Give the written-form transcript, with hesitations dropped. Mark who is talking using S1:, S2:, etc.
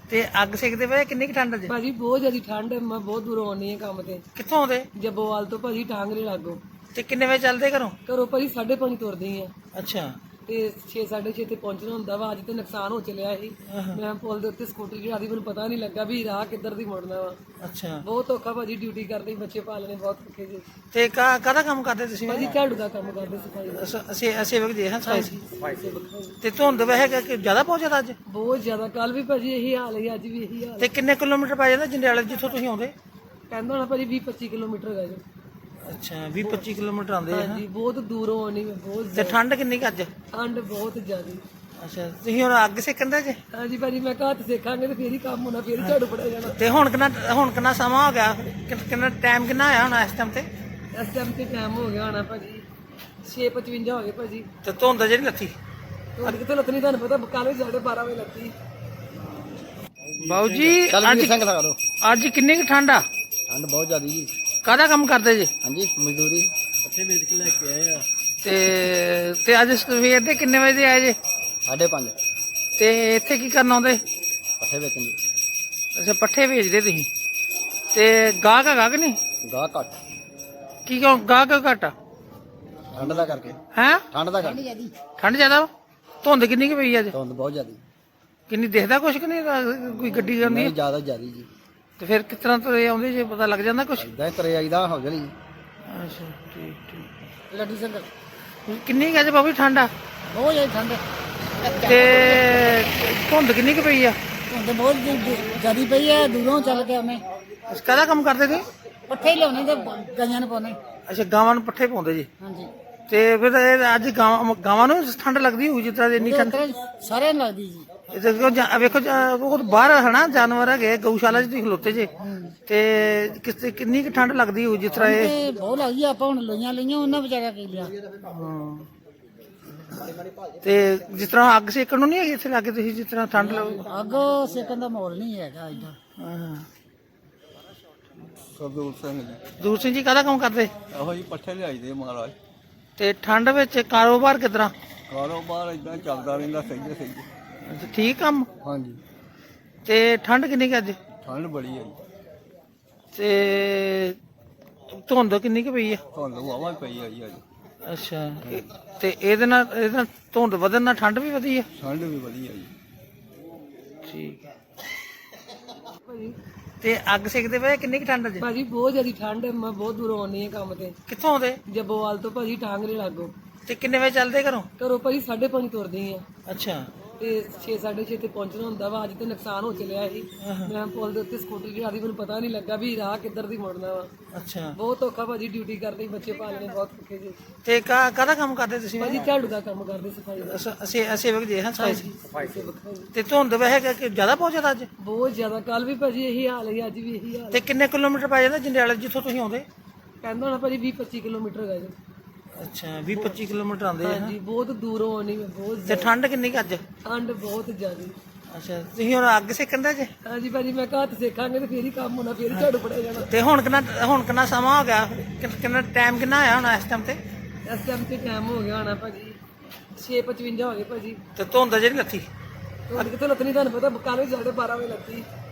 S1: ਤੇ ਅੱਗ ਸੇਕਦੇ ਪਏ ਕਿੰਨੀ ਕੁ ਠੰਡ ਚ?
S2: ਭਾਜੀ ਬਹੁਤ ਜ਼ਿਆਦਾ ਠੰਡ ਹੈ। ਮੈਂ ਬਹੁਤ ਦੂਰੋਂ ਆਉਣੀ ਹੈ ਕੰਮ ਤੇ।
S1: ਕਿੱਥੋਂ ਆਉਂਦੇ?
S2: ਜੱਬੋਵਾਲ ਤੋਂ ਭਾਜੀ, ਟਾਂਗਰੇ ਲਾਗੋ।
S1: ਤੇ ਕਿੰਨੇ ਵਜੇ ਚੱਲਦੇ ਘਰੋਂ?
S2: ਘਰੋਂ ਭਾਜੀ 5:30 ਤੁਰਦੀ ਆ
S1: ਅੱਛਾ।
S2: ਤੇ 6:30 ਤੇ ਪਹੁੰਚਣਾ ਹੁੰਦਾ ਵਾ। ਅੱਜ ਤੇ ਨੁਕਸਾਨ ਹੋ ਚੱਲਿਆ ਸੀ। ਮੈਂ ਪੁਲ ਦੇ ਉੱਤੇ ਸਕੂਟਰੀ ਚੜਾ ਦੀ, ਮੈਨੂੰ ਪਤਾ ਨਹੀਂ ਲੱਗਾ ਵੀ ਰਾਹ ਕਿੱਧਰ ਦੀ ਮੁੜਨਾ ਵਾ।
S1: ਅੱਛਾ।
S2: ਬਹੁਤ ਔਖਾ ਭਾਜੀ, ਡਿਊਟੀ ਕਰਨੀ, ਬੱਚੇ ਪਾਲਣੇ ਬਹੁਤ ਔਖੇ ਜੀ।
S1: ਤੇ ਕਾਹਦਾ ਕੰਮ ਕਰਦੇ ਤੁਸੀਂ?
S2: ਭਾਜੀ ਝਾੜੂ ਦਾ ਕੰਮ ਕਰਦੇ, ਸਫਾਈ ਦਾ।
S1: ਸੇਵਕ ਜੀ ਹਾਂ ਸਫਾਈ।
S2: ਸੇਵਕ।
S1: ਤੇ ਧੁੰਦ ਵੈਸੇ ਕਿ ਜ਼ਿਆਦਾ ਪਹੁੰਚਦਾ ਅੱਜ?
S2: ਬਹੁਤ ਜ਼ਿਆਦਾ। ਕੱਲ ਵੀ ਭਾਜੀ ਇਹੀ ਹਾਲ ਹੈ, ਅੱਜ ਵੀ ਇਹੀ ਹਾਲ।
S1: ਤੇ ਕਿੰਨੇ ਕਿਲੋਮੀਟਰ ਪੈ ਜਾਂਦਾ ਜੰਡਿਆਲੇ ਜਿੱਥੋਂ ਤੁਸੀਂ ਆਉਂਦੇ?
S2: ਕਹਿੰਦਾ ਹੋਣਾ ਭਾਜੀ 20-25 ਕਿਲੋਮੀਟਰ ਹੈਗਾ ਜੀ।
S1: ਅੱਛਾ 20-25 ਕਿਲੋਮੀਟਰ ਆਉਂਦੇ ਆ।
S2: ਹਾਂਜੀ ਬਹੁਤ ਦੂਰੋਂ ਆਉਣੀ ਮੈਂ, ਬਹੁਤ
S1: ਤੇ ਠੰਡ ਕਿੰਨੀ ਕੁ ਅੱਜ?
S2: ਠੰਡ ਬਹੁਤ ਜ਼ਿਆਦਾ।
S1: ਅੱਛਾ ਤੁਸੀਂ ਹੁਣ ਅੱਗ ਸੇਕਣ ਦੇ ਜੇ?
S2: ਹਾਂਜੀ ਭਾਜੀ, ਮੈਂ ਘਰ ਸੇਖਾਂਗੇ ਤੇ ਫੇਰ ਹੀ ਕੰਮ ਹੋਣਾ, ਫੇਰ ਹੀ ਝਾੜੂ ਫੜਿਆ ਜਾਣਾ।
S1: ਤੇ ਹੁਣ ਕਿੰਨਾ ਸਮਾਂ ਹੋ ਗਿਆ? ਕਿੰਨਾ ਟਾਈਮ ਕਿੰਨਾ ਆਇਆ ਹੁਣ ਇਸ ਟਾਈਮ ਤੇ?
S2: ਇਸ ਟਾਈਮ ਤੇ ਟਾਈਮ ਹੋ ਗਿਆ ਹੋਣਾ ਭਾਜੀ 6:55 ਹੋ ਗਏ ਭਾਜੀ।
S1: ਤੇ ਧੁੰਦ ਜਿਹੜੀ ਲੱਥੀ?
S2: ਤੁਹਾਡੇ ਕਿਤੇ ਲੱਤਨੀ, ਤੁਹਾਨੂੰ ਪਤਾ ਕੱਲ ਵੀ 12:30 ਵਜੇ ਲੱਤੀ।
S1: ਬਾਊ ਜੀ ਅੱਜ ਕਿੰਨੀ ਕੁ ਠੰਡ ਆ?
S3: ਠੰਡ ਬਹੁਤ ਜ਼ਿਆਦਾ ਜੀ।
S1: ਕਾਹਦਾ ਕੰਮ ਕਰਦੇ ਜੀ?
S3: ਹਾਂਜੀ ਮਜ਼ਦੂਰੀ ਪੱਠੇ ਵੇਚ ਕੇ ਲੈ ਕੇ ਆਏ ਆ।
S1: ਤੇ ਅੱਜ ਸਵੇਰ ਦੇ ਕਿੰਨੇ ਵਜੇ ਆਏ ਜੇ?
S3: 5:30
S1: ਤੇ ਇੱਥੇ ਕੀ ਕਰਨ ਆਉਂਦੇ?
S3: ਪੱਠੇ ਵੇਚਣ ਦੀ।
S1: ਅੱਛਾ ਪੱਠੇ ਵੇਚਦੇ ਤੁਸੀਂ। ਤੇ ਗਾਹਕ ਹੈਗਾ ਕਿ ਨਹੀਂ?
S3: ਗਾਹ ਘੱਟ।
S1: ਕੀ ਕਿਉਂ ਗਾਹਕ ਘੱਟ ਆ?
S3: ਠੰਡ ਦਾ ਕਰਕੇ।
S1: ਹੈ
S3: ਠੰਡ ਦਾ ਕਰਕੇ।
S1: ਠੰਡ ਜ਼ਿਆਦਾ ਵਾ? ਧੁੰਦ ਕਿੰਨੀ ਕੁ ਪਈ ਅੱਜ?
S3: ਧੁੰਦ ਬਹੁਤ ਜ਼ਿਆਦਾ।
S1: ਕਿੰਨੀ ਦਿਖਦਾ ਕੁਛ ਕਿ ਨਹੀਂ? ਕੋਈ ਗੱਡੀ ਆਉਂਦੀ
S3: ਨਹੀਂ
S1: ਹੈ?
S3: ਜ਼ਿਆਦਾ ਜੀ।
S1: ਤੇ ਫਿਰ ਕਿਸ ਤਰ੍ਹਾਂ ਤੁਰੇ ਆਉਂਦੇ ਜੇ ਪਤਾ ਲੱਗ ਜਾਂਦਾ ਕੁਛ?
S3: ਇਦਾਂ ਤੁਰੇ ਆਈਦਾ ਹੌਜਲੀ।
S1: ਅੱਛਾ ਠੀਕ।
S3: ਲੱਡੂ ਸਿੰਘ
S1: ਕਿੰਨੀ ਕੁ ਅੱਜ ਬਾਬੂ ਠੰਡ ਆ?
S3: ਬਹੁਤ ਜ਼ਿਆਦਾ ਠੰਡ।
S1: ਤੇ ਧੁੰਦ ਕਿੰਨੀ ਕੁ ਪਈ ਆ?
S3: ਧੁੰਦ ਬਹੁਤ ਜ਼ਿਆਦਾ ਪਈ ਹੈ। ਦੂਰੋਂ ਚੱਲ ਕੇ ਆਉਨੇ।
S1: ਕਾਹਦਾ ਕੰਮ ਕਰਦੇ ਸੀ?
S3: ਪੱਠੇ ਲਿਆਉਣੇ ਤੇ ਗਾਈਆਂ ਨੂੰ ਪਾਉਣੇ।
S1: ਅੱਛਾ ਗਾਵਾਂ ਨੂੰ ਪੱਠੇ ਪਾਉਂਦੇ ਜੀ।
S3: ਹਾਂਜੀ।
S1: ਤੇ ਫਿਰ ਇਹ ਅੱਜ ਗਾਵਾਂ ਨੂੰ ਠੰਡ ਲੱਗਦੀ ਹੋਊ ਜਿਸ ਤਰ੍ਹਾਂ ਇੰਨੀ ਠੰਡ?
S3: ਸਾਰਿਆਂ ਨੂੰ ਲੱਗਦੀ ਜੀ।
S1: ਵੇਖੋ ਉਹ ਬਾਹਰ ਹਨਾ ਜਾਨਵਰ ਹੈਗੇ ਗਊਸ਼ਾਲਾ 'ਚ ਤੁਸੀਂ ਖਲੋਤੇ ਜੇ, ਤੇ ਕਿੰਨੀ ਕੁ ਠੰਡ ਲੱਗਦੀ ਹੋਊ ਜਿਸ ਤਰ੍ਹਾਂ ਇਹ?
S3: ਬਹੁਤ ਲੱਗਦੀ। ਆਪਾਂ ਹੁਣ ਲਈਆਂ ਉਹਨਾਂ ਵਿਚਾਰਿਆ ਕੀ ਲਿਆ।
S1: ਤੇ ਜਿਸ ਤਰ੍ਹਾਂ ਅੱਗ ਸੇਕਣ ਨੂੰ ਨਹੀਂ ਹੈਗੀ ਇੱਥੇ ਲੱਗੇ ਤੁਸੀਂ ਜਿਸ ਤਰ੍ਹਾਂ ਠੰਡ
S3: ਅੱਗ ਸੇਕਣ ਦਾ ਮਾਹੌਲ ਨਹੀਂ ਹੈਗਾ ਇੱਧਰ। ਸਰਦੂਲ ਸਿੰਘ ਜੀ।
S1: ਦੂਰ ਸਿੰਘ ਜੀ ਕਾਹਦਾ ਕੰਮ ਕਰਦੇ?
S3: ਇਹੋ ਜੀ ਪੱਠੇ ਲਿਆਈਦੇ ਮਹਾਰਾਜ।
S1: ਤੇ ਠੰਡ ਵਿੱਚ ਕਾਰੋਬਾਰ ਕਿੱਦਾਂ?
S3: ਕਾਰੋਬਾਰ ਇਦਾਂ ਚੱਲਦਾ ਰਹਿੰਦਾ ਸਹੀ।
S1: ਅੱਛਾ ਠੀਕ ਕੰਮ।
S3: ਹਾਂਜੀ।
S1: ਤੇ ਠੰਡ ਕਿੰਨੀ ਕੁ ਅੱਜ?
S3: ਠੰਡ ਬੜੀ ਹੈ ਜੀ।
S1: ਤੇ ਧੁੰਦ ਕਿੰਨੀ ਕੁ ਪਈ ਆ?
S3: ਧੁੰਦ ਵਾਵਾ ਪਈ ਆ ਜੀ ਅੱਜ।
S1: ਅੱਛਾ ਤੇ ਇਹਦੇ ਨਾਲ ਧੁੰਦ ਵਧਣ ਨਾਲ ਠੰਡ ਵੀ ਵਧੀ ਆ?
S3: ਠੰਡ ਵੀ ਵਧੀਆ ਜੀ।
S1: ਠੀਕ ਹੈ। ਤੇ ਅੱਗ ਸੇਕਦੇ ਪਏ ਕਿੰਨੀ ਕੁ ਠੰਡ ਅੱਜ?
S2: ਭਾਜੀ ਬਹੁਤ ਜ਼ਿਆਦਾ ਠੰਡ ਹੈ। ਮੈਂ ਬਹੁਤ ਦੂਰੋਂ ਆਉਣੀ ਹੈ ਕੰਮ ਤੇ।
S1: ਕਿੱਥੋਂ ਆਉਂਦੇ?
S2: ਜੱਬੋਵਾਲ ਤੋਂ ਭਾਜੀ, ਟਾਂਗਰੇ ਲਾਗੋ।
S1: ਤੇ ਕਿੰਨੇ ਵਜੇ ਚੱਲਦੇ ਘਰੋਂ?
S2: ਘਰੋਂ ਭਾਜੀ 5:30 ਤੁਰਦੀ ਆ
S1: ਅੱਛਾ।
S2: ਤੇ 6:30 ਤੇ ਪਹੁੰਚਣਾ ਹੁੰਦਾ ਵਾ। ਅੱਜ ਤੇ ਨੁਕਸਾਨ ਹੋ ਚੱਲਿਆ ਸੀ। ਮੈਂ ਪੁਲ ਦੇ ਉੱਤੇ ਸਕੂਟਰੀ ਚੜਾ ਦੀ, ਮੈਨੂੰ ਪਤਾ ਨਹੀਂ ਲੱਗਾ ਵੀ ਰਾਹ ਕਿੱਧਰ ਦੀ ਮੁੜਨਾ ਵਾ।
S1: ਅੱਛਾ।
S2: ਬਹੁਤ ਔਖਾ ਭਾਜੀ, ਡਿਊਟੀ ਕਰਨੀ, ਬੱਚੇ ਪਾਲਣੇ ਬਹੁਤ ਔਖੇ ਜੀ।
S1: ਤੇ ਕਾਹਦਾ ਕੰਮ ਕਰਦੇ ਤੁਸੀਂ?
S2: ਭਾਜੀ ਝਾੜੂ ਦਾ ਕੰਮ ਕਰਦੇ, ਸਫਾਈ ਦਾ।
S1: ਸੇਵਕ ਜੀ ਹਾਂ ਸਫਾਈ।
S2: ਸੇਵਕ ਭਾਜੀ।
S1: ਤੇ ਧੁੰਦ ਵੈਸੇ ਕਿ ਜ਼ਿਆਦਾ ਪਹੁੰਚਦਾ ਅੱਜ?
S2: ਬਹੁਤ ਜ਼ਿਆਦਾ। ਕੱਲ ਵੀ ਭਾਜੀ ਇਹੀ ਹਾਲ ਹੈ, ਅੱਜ ਵੀ ਇਹੀ ਹਾਲ।
S1: ਤੇ ਕਿੰਨੇ ਕਿਲੋਮੀਟਰ ਪੈ ਜਾਂਦਾ ਜੰਡਿਆਲੇ ਜਿੱਥੋਂ ਤੁਸੀਂ ਆਉਂਦੇ?
S2: ਕਹਿੰਦਾ ਹੋਣਾ ਭਾਜੀ 20-25 ਕਿਲੋਮੀਟਰ ਹੈਗਾ ਜੀ।
S1: ਅੱਛਾ 20-25 ਕਿਲੋਮੀਟਰ ਆਉਂਦੇ ਆ।
S2: ਹਾਂਜੀ ਬਹੁਤ ਦੂਰੋਂ ਆਉਣੀ ਮੈਂ, ਬਹੁਤ
S1: ਤੇ ਠੰਡ ਕਿੰਨੀ ਕੁ ਅੱਜ?
S2: ਠੰਡ ਬਹੁਤ ਜ਼ਿਆਦਾ।
S1: ਅੱਛਾ ਤੁਸੀਂ ਹੁਣ ਅੱਗ ਸੇਕਣ ਦੇ ਜੇ?
S2: ਹਾਂਜੀ ਭਾਜੀ, ਮੈਂ ਘਰ ਸੇਖਾਂਗੇ ਤੇ ਫੇਰ ਹੀ ਕੰਮ ਹੋਣਾ, ਫੇਰ ਹੀ ਝਾੜੂ ਫੜਿਆ ਜਾਣਾ।
S1: ਤੇ ਹੁਣ ਕਿੰਨਾ ਸਮਾਂ ਹੋ ਗਿਆ? ਕਿੰਨਾ ਟਾਈਮ ਕਿੰਨਾ ਆਇਆ ਹੁਣ ਇਸ ਟਾਈਮ ਤੇ?
S2: ਇਸ ਟਾਈਮ ਤੇ ਟਾਈਮ ਹੋ ਗਿਆ ਹੋਣਾ ਭਾਜੀ 6:55 ਹੋ ਗਏ ਭਾਜੀ।
S1: ਤੇ ਧੁੰਦ ਜਿਹੜੀ ਲੱਥੀ?
S2: ਤੁਹਾਡੇ ਕਿਤੇ ਲੱਤਨੀ, ਤੁਹਾਨੂੰ ਪਤਾ ਕੱਲ ਵੀ 12:30 ਵਜੇ ਲੱਤੀ।